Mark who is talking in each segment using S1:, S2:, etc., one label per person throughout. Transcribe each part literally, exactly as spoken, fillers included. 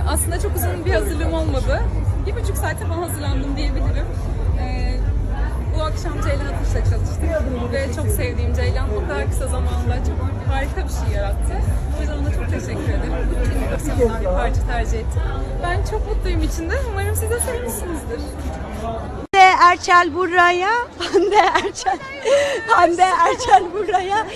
S1: aslında çok uzun bir hazırlığım olmadı. Bir buçuk saate falan hazırlandım diyebilirim. Ee, bu akşam Ceylan Atış'la çalıştık ve çok sevdiğim Ceylan o kadar kısa zamanda çok harika bir şey yarattı. O yüzden ona çok teşekkür ederim. Bu film bir parça tercih ettim. Ben çok mutluyum içinde. Umarım siz de sevmişsinizdir.
S2: Hande Erçel buraya, Hande Erçel, Hande Erçel buraya.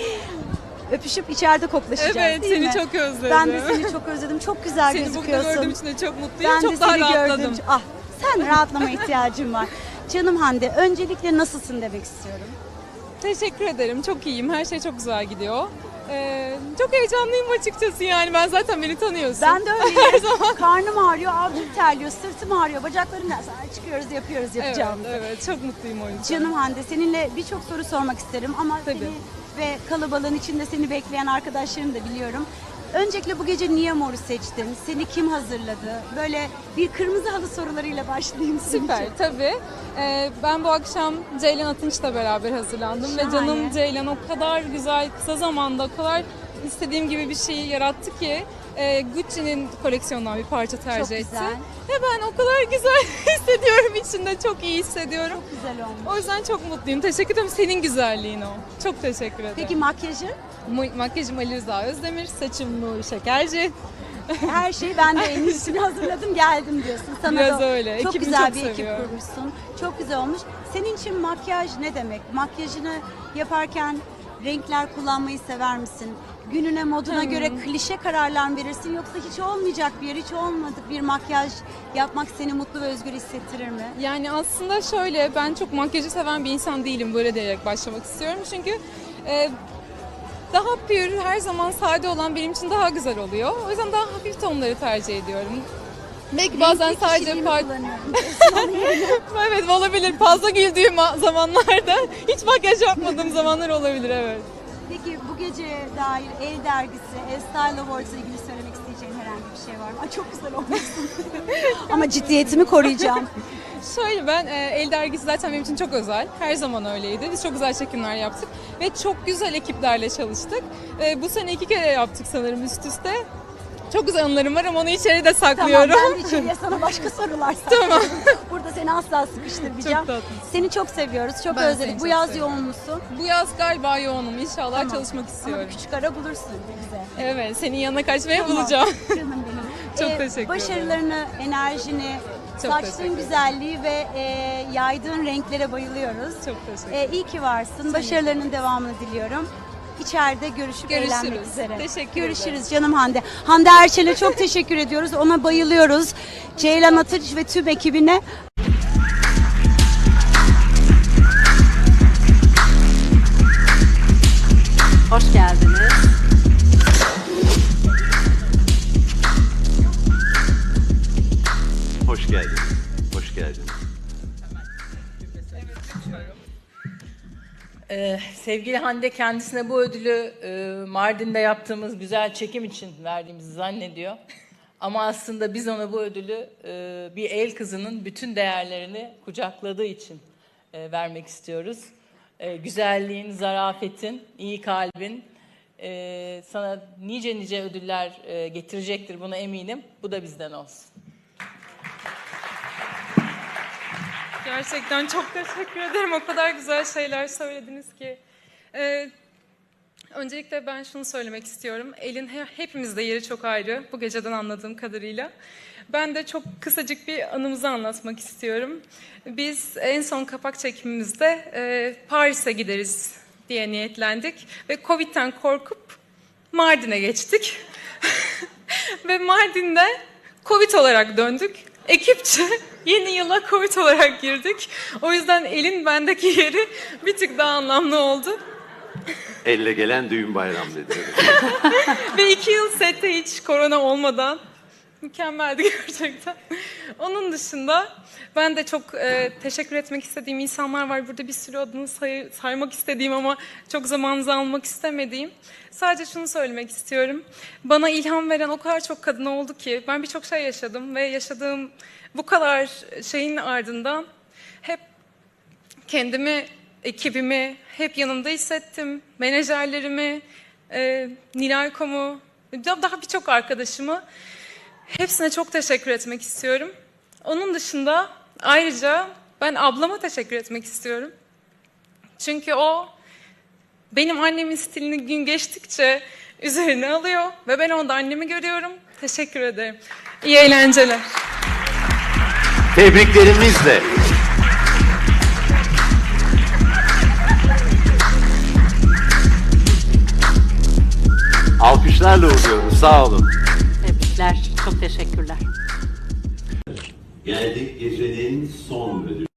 S2: Öpüşüp içeride koklaşacağız,
S1: Evet,
S2: değil
S1: seni
S2: mi?
S1: çok özledim.
S2: Ben de seni çok özledim. Çok güzel
S1: Seni
S2: gözüküyorsun.
S1: bugün gördüğüm için de çok mutluyum.
S2: Ben
S1: çok
S2: de
S1: daha
S2: seni
S1: rahatladım.
S2: gördüm. Ah, sen rahatlama ihtiyacın var. Canım Hande, öncelikle nasılsın demek istiyorum.
S1: Teşekkür ederim. Çok iyiyim. Her şey çok güzel gidiyor. Ee, çok heyecanlıyım açıkçası yani. Ben zaten beni tanıyorsun.
S2: Ben de
S1: Her
S2: öyleyim.
S1: zaman.
S2: Karnım ağrıyor, avcum terliyor, sırtım ağrıyor, bacaklarım da sonra çıkıyoruz, yapıyoruz
S1: Evet,
S2: yapacağımızı.
S1: evet. Çok mutluyum o yüzden.
S2: Canım Hande, seninle birçok soru sormak isterim ama
S1: Tabii.
S2: seni ve kalabalığın içinde seni bekleyen arkadaşlarımı da biliyorum. Öncelikle bu gece niye Mor'u seçtin? Seni kim hazırladı? Böyle bir kırmızı halı sorularıyla başlayayım senin
S1: Süper,
S2: için.
S1: tabii. Ee, ben bu akşam Ceylan Atınç'la beraber hazırlandım ve
S2: Şahane.
S1: canım Ceylan o kadar güzel, kısa zamanda o kadar istediğim gibi bir şeyi yarattı ki e, Gucci'nin koleksiyonundan bir parça tercih
S2: Çok
S1: etti.
S2: güzel.
S1: Ve ben o kadar güzel hissediyorum içinde, çok iyi hissediyorum.
S2: Çok güzel olmuş.
S1: O yüzden çok mutluyum. Teşekkür ederim. Senin güzelliğin o. Çok teşekkür ederim.
S2: Peki makyajı?
S1: Ma- Makyajım Ali Rıza Özdemir, saçım Nuri Şekerci.
S2: Her şeyi ben de en iyisini hazırladım geldim diyorsun. Sana
S1: Biraz
S2: da
S1: öyle.
S2: Çok
S1: Ekibimi
S2: güzel
S1: çok
S2: bir ekip
S1: seviyorum.
S2: kurmuşsun. Çok güzel olmuş. Senin için makyaj ne demek? Makyajını yaparken renkler kullanmayı sever misin? Gününe, moduna
S1: Hmm.
S2: göre klişe kararlar mı verirsin? Yoksa hiç olmayacak bir yer, hiç olmadık bir makyaj yapmak seni mutlu ve özgür hissettirir mi?
S1: Yani aslında şöyle, ben çok makyajı seven bir insan değilim, böyle diyerek başlamak istiyorum. Çünkü e, daha pür, her zaman sade olan benim için daha güzel oluyor. O yüzden daha hafif tonları tercih ediyorum. Belki bazen
S2: Renkli
S1: sadece
S2: kişiliğimi
S1: part...
S2: kullanıyorum.
S1: Evet, olabilir. Fazla güldüğüm zamanlarda hiç makyaj yapmadığım zamanlar olabilir, evet.
S2: Peki bu geceye dair El Dergisi, El Style Awards'la ilgili söylemek isteyeceğin herhangi bir şey var mı? Ay çok güzel olmuşsun. Ama ciddiyetimi koruyacağım.
S1: Şöyle, ben e, El Dergisi zaten benim için çok özel. Her zaman öyleydi. Biz çok güzel çekimler yaptık ve çok güzel ekiplerle çalıştık. E, bu sene iki kere yaptık sanırım üst üste. Çok güzel anılarım var ama onu içeride
S2: Tamam,
S1: saklıyorum.
S2: ben de içeriye sana başka sorular soracağım. Burada seni asla sıkıştırmayacağım.
S1: Çok tatlısın.
S2: Seni çok seviyoruz, çok
S1: Ben seni
S2: özledik. Bu
S1: çok
S2: yaz
S1: seviyorum.
S2: yoğun musun?
S1: Bu yaz galiba yoğunum. İnşallah
S2: Tamam.
S1: çalışmak
S2: Ama
S1: istiyorum.
S2: bir küçük ara bulursun bize.
S1: Evet, senin yanına kaçmaya
S2: Tamam.
S1: bulacağım.
S2: Canım benim.
S1: Çok teşekkür ederim.
S2: Başarılarını, enerjini,
S1: Çok teşekkür
S2: saçtığın
S1: ederim.
S2: güzelliği ve e, yaydığın renklere bayılıyoruz.
S1: Çok teşekkür
S2: E,
S1: ederim.
S2: iyi ki varsın. Başarılarının devamını diliyorum. İçeride görüşüp
S1: Görüşürüz.
S2: eğlenmek üzere.
S1: Teşekkür
S2: Görüşürüz
S1: ederim.
S2: canım Hande. Hande Erçel'e çok teşekkür ediyoruz. Ona bayılıyoruz. Ceylan Atınç ve tüm ekibine.
S3: Hoş geldiniz.
S4: Hoş geldiniz. Hoş geldiniz.
S3: Ee, sevgili Hande kendisine bu ödülü e, Mardin'de yaptığımız güzel çekim için verdiğimizi zannediyor. Ama aslında biz ona bu ödülü e, bir el kızının bütün değerlerini kucakladığı için e, vermek istiyoruz. E, güzelliğin, zarafetin, iyi kalbin e, sana nice nice ödüller e, getirecektir, buna eminim. Bu da bizden olsun.
S1: Gerçekten çok teşekkür ederim. O kadar güzel şeyler söylediniz ki. Ee, öncelikle ben şunu söylemek istiyorum. Elin he- hepimizde yeri çok ayrı. Bu geceden anladığım kadarıyla. Ben de çok kısacık bir anımızı anlatmak istiyorum. Biz en son kapak çekimimizde e, Paris'e gideriz diye niyetlendik. Ve Covid'den korkup Mardin'e geçtik. Ve Mardin'de Covid olarak döndük. Ekipçe yeni yıla Covid olarak girdik. O yüzden elin bendeki yeri bir tık daha anlamlı oldu.
S4: Elle gelen düğün bayram dedi.
S1: Ve iki yıl sette hiç korona olmadan mükemmeldi gerçekten. Onun dışında ben de çok e, teşekkür etmek istediğim insanlar var. Burada bir sürü adını say- saymak istediğim ama çok zamanınızı almak istemediğim. Sadece şunu söylemek istiyorum. Bana ilham veren o kadar çok kadın oldu ki ben birçok şey yaşadım ve yaşadığım bu kadar şeyin ardından hep kendimi, ekibimi hep yanımda hissettim. Menajerlerimi, e, Nilay Kom'u, daha birçok arkadaşımı Hepsine çok teşekkür etmek istiyorum. Onun dışında ayrıca ben ablama teşekkür etmek istiyorum. Çünkü o benim annemin stilini gün geçtikçe üzerine alıyor ve ben onda annemi görüyorum. Teşekkür ederim. İyi eğlenceler.
S4: Tebriklerimizle. Alkışlarla uğurluyoruz. Sağ olun.
S5: Tebrikler. Çok teşekkürler.
S4: Geldik gecenin son ödülü.